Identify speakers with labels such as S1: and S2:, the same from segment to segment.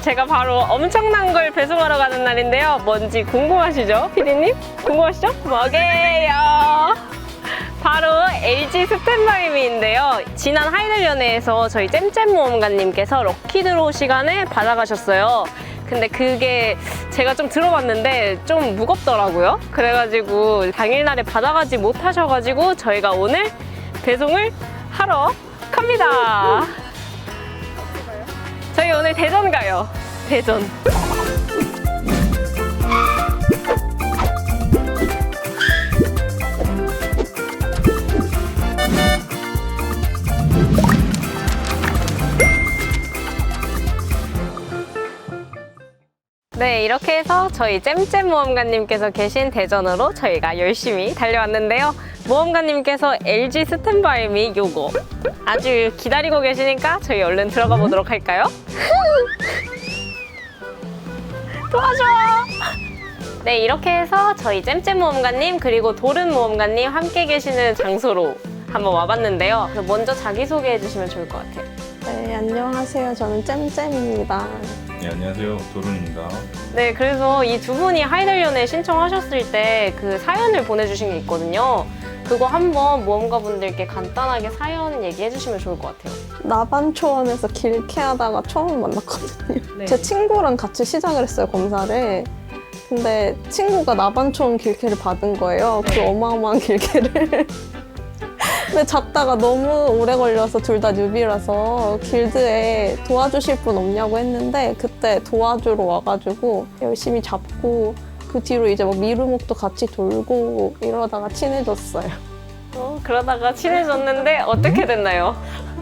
S1: 제가 바로 엄청난 걸 배송하러 가는 날인데요. 뭔지 궁금하시죠? 피디님? 궁금하시죠? 뭐게요? 바로 LG 스탠바이미인데요. 지난 하이들 연회에서 저희 잼잼 모험가님께서 럭키드로우 시간에 받아가셨어요. 근데 그게 제가 좀 들어봤는데 좀 무겁더라고요. 그래가지고 당일날에 받아가지 못하셔가지고 저희가 오늘 배송을 하러 갑니다. 저희 오늘 대전 가요. 대전. 네, 이렇게 해서 저희 잼잼 모험가님께서 계신 대전으로 저희가 열심히 달려왔는데요. 모험가님께서 LG 스탠바이미 요거 아주 기다리고 계시니까 저희 얼른 들어가 보도록 할까요? 도와줘! 네, 이렇게 해서 저희 잼잼 모험가님 그리고 도른 모험가님 함께 계시는 장소로 한번 와봤는데요. 먼저 자기소개해 주시면 좋을 것 같아요.
S2: 네, 안녕하세요. 저는 잼잼입니다.
S3: 네, 안녕하세요. 도른입니다.
S1: 네, 그래서 이 두 분이 하이들 연애 신청하셨을 때 그 사연을 보내주신 게 있거든요. 그거 한번 모험가분들께 간단하게 사연 얘기해 주시면 좋을 것 같아요.
S2: 나반초원에서 길케하다가 처음 만났거든요.
S1: 네.
S2: 제 친구랑 같이 시작을 했어요, 검사를. 근데 친구가 나반초원 길케를 받은 거예요. 그 어마어마한 길케를. 근데 잡다가 너무 오래 걸려서 둘 다 뉴비라서 길드에 도와주실 분 없냐고 했는데 그때 도와주러 와가지고 열심히 잡고 그 뒤로 이제 막 미루목도 같이 돌고 이러다가 친해졌어요.
S1: 그러다가 친해졌는데 어떻게 됐나요?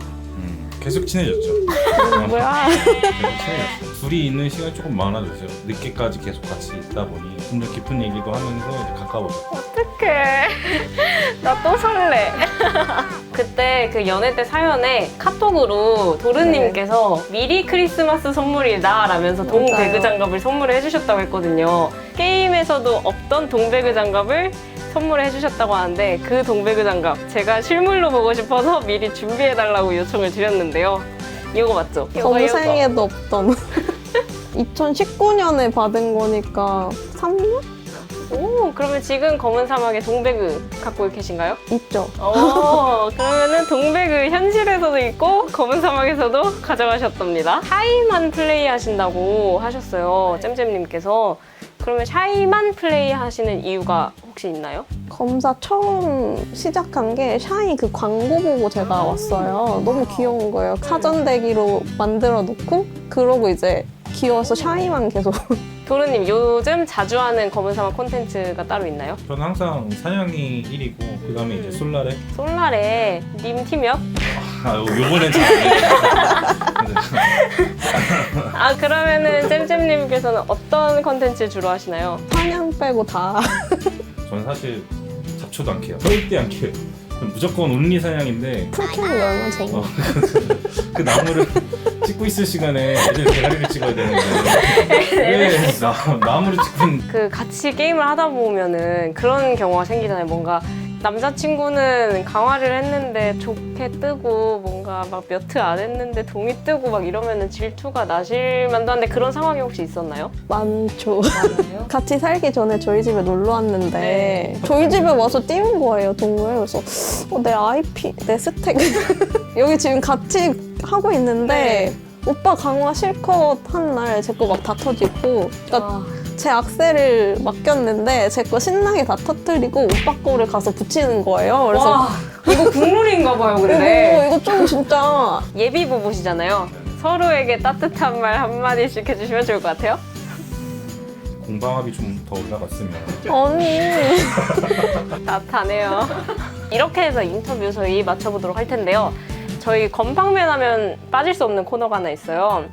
S3: 계속 친해졌죠.
S2: 뭐야?
S3: 계속 친해졌어요. 둘이 있는 시간이 조금 많아졌어요. 늦게까지 계속 같이 있다 보니 좀 더 깊은 얘기도 하면서 이제 가까워졌어요.
S1: 어떡해. 나 또 설레. 그때 그 연애 때 사연에 카톡으로 도르님께서 미리 크리스마스 선물이다 라면서 동배그 장갑을 선물해 주셨다고 했거든요. 게임에서도 없던 동배그 장갑을 선물해 주셨다고 하는데 그 동배그 장갑 제가 실물로 보고 싶어서 미리 준비해 달라고 요청을 드렸는데요. 이거 맞죠?
S2: 범생에도 없던 2019년에 받은 거니까 3년?
S1: 오, 그러면 지금 검은 사막에 동배그 갖고 계신가요?
S2: 있죠.
S1: 그러면은 동배그 현실에서도 있고 검은 사막에서도 가져가셨답니다. 샤이만 플레이 하신다고 하셨어요, 잼잼님께서. 그러면 샤이만 플레이 하시는 이유가 혹시 있나요?
S2: 검사 처음 시작한 게 샤이 그 광고 보고 제가 왔어요. 너무 귀여운 거예요. 사전 대기로 만들어 놓고 그러고 이제 귀여워서 샤이만 계속.
S1: 도르님, 요즘 자주 하는 검은 사막 콘텐츠가 따로 있나요?
S3: 저는 항상 사냥이 1위고 그 다음에 이제 솔라레.
S1: 솔라레 님 팀이요?
S3: 요번엔 잘
S1: 아, 그러면은 잼잼님께서는 어떤 콘텐츠 주로 하시나요?
S2: 사냥 빼고 다.
S3: 저는 사실 잡초도 안 캐요. 절대 안 캐요. 무조건 온리 사냥인데
S2: 풀캠이 얼마나 재밌어.
S3: 그 나무를 찍고 있을 시간에 애들 대가리를 찍어야 되는데 왜 나무를 찍고 있는
S1: 그 같이 게임을 하다 보면은 그런 경우가 생기잖아요. 뭔가 남자친구는 강화를 했는데 좋게 뜨고 뭔가 막 몇 트 안 했는데 동이 뜨고 막 이러면은 질투가 나실 만도 한데 그런 상황이 혹시 있었나요?
S2: 많죠.
S1: 맞아요.
S2: 같이 살기 전에 저희 집에 놀러 왔는데
S1: 네.
S2: 저희 집에 와서 띄운 거예요, 동물. 그래서 내 IP, 내 스택 여기 지금 같이 하고 있는데 오빠 강화 실컷 한 날 제 거 막 다 터지고 그러니까 제 악셀을 맡겼는데 제 거 신나게 다 터뜨리고 오빠 거를 가서 붙이는 거예요. 그래서
S1: 와, 이거 국룰인가 봐요, 근데.
S2: 이거 좀 진짜
S1: 예비 부부시잖아요. 서로에게 따뜻한 말 한마디씩 해주시면 좋을 것 같아요.
S3: 공방압이 좀 더 올라갔으면
S2: 아니
S1: 따뜻하네요. 이렇게 해서 인터뷰 저희 마쳐보도록 할 텐데요. 저희 건방맨 하면 빠질 수 없는 코너가 하나 있어요.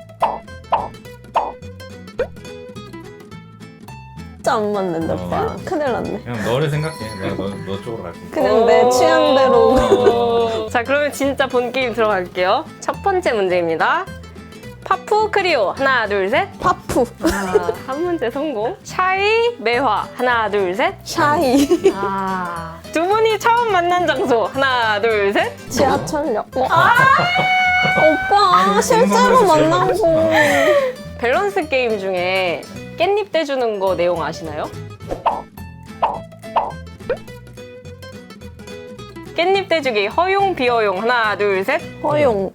S2: 진짜 안 맞는데 오빠. 큰일 났네.
S3: 그냥 너를 생각해. 내가 너 쪽으로 갈게.
S2: 그냥 내 취향대로.
S1: 자, 그러면 진짜 본 게임 들어갈게요. 첫 번째 문제입니다. 파푸 크리오 하나 둘 셋.
S2: 파푸.
S1: 한 문제 성공. 샤이 매화 하나 둘 셋.
S2: 샤이.
S1: 두 분이 처음 만난 장소 하나 둘 셋.
S2: 지하철역. 오빠 실제로 만난 거.
S1: 밸런스 게임 중에 깻잎 떼주는 거 내용 아시나요? 깻잎 떼주기 허용 비허용 하나 둘 셋.
S2: 허용.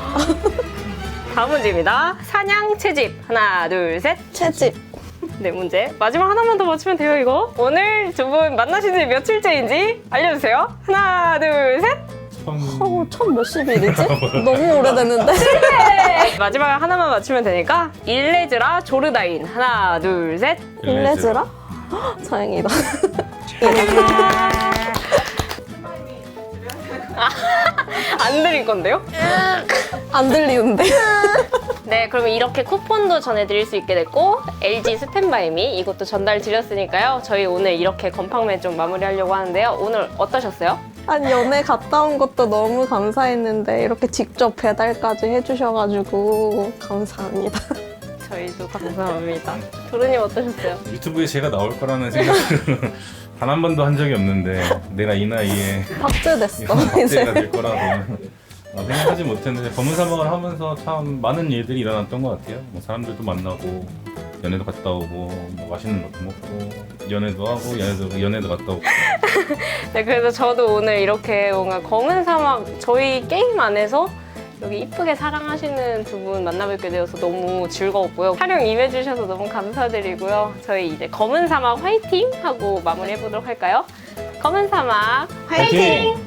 S1: 다음 문제입니다. 사냥 채집 하나 둘 셋.
S2: 채집.
S1: 네, 문제 마지막 하나만 더 맞추면 돼요. 이거 오늘 두 분 만나신 지 며칠째인지 알려주세요. 하나 둘 셋.
S2: 첫 몇십 일이지? 너무 오래됐는데?
S1: 마지막 하나만 맞추면 되니까 일레즈라 조르다인 하나 둘 셋.
S2: 일레즈라? 헉, 다행이다.
S1: 안 드릴 건데요?
S2: 안 들리는데?
S1: 네, 그러면 이렇게 쿠폰도 전해드릴 수 있게 됐고 LG 스탠바이미 이것도 전달 드렸으니까요. 저희 오늘 이렇게 건팡맨 좀 마무리하려고 하는데요. 오늘 어떠셨어요?
S2: 아니, 연애 갔다 온 것도 너무 감사했는데 이렇게 직접 배달까지 해주셔가지고 감사합니다.
S1: 저희도 감사합니다. 도르님 어떠셨어요?
S3: 유튜브에 제가 나올 거라는 생각을 단 한 번도 한 적이 없는데 내가 이 나이에
S2: 박제됐어,
S3: 박제가
S2: 이제.
S3: 될 거라고 생각하지 못했는데 검은 사막을 하면서 참 많은 일들이 일어났던 것 같아요. 뭐 사람들도 만나고 연애도 갔다 오고 뭐 맛있는 것도 먹고 연애도 하고 연애도 갔다 오고.
S1: 네, 그래서 저도 오늘 이렇게 뭔가 검은 사막 저희 게임 안에서 여기 이쁘게 사랑하시는 두 분 만나뵙게 되어서 너무 즐거웠고요. 촬영 임해주셔서 너무 감사드리고요. 저희 이제 검은 사막 화이팅! 하고 마무리해보도록 할까요? 검은 사막 화이팅!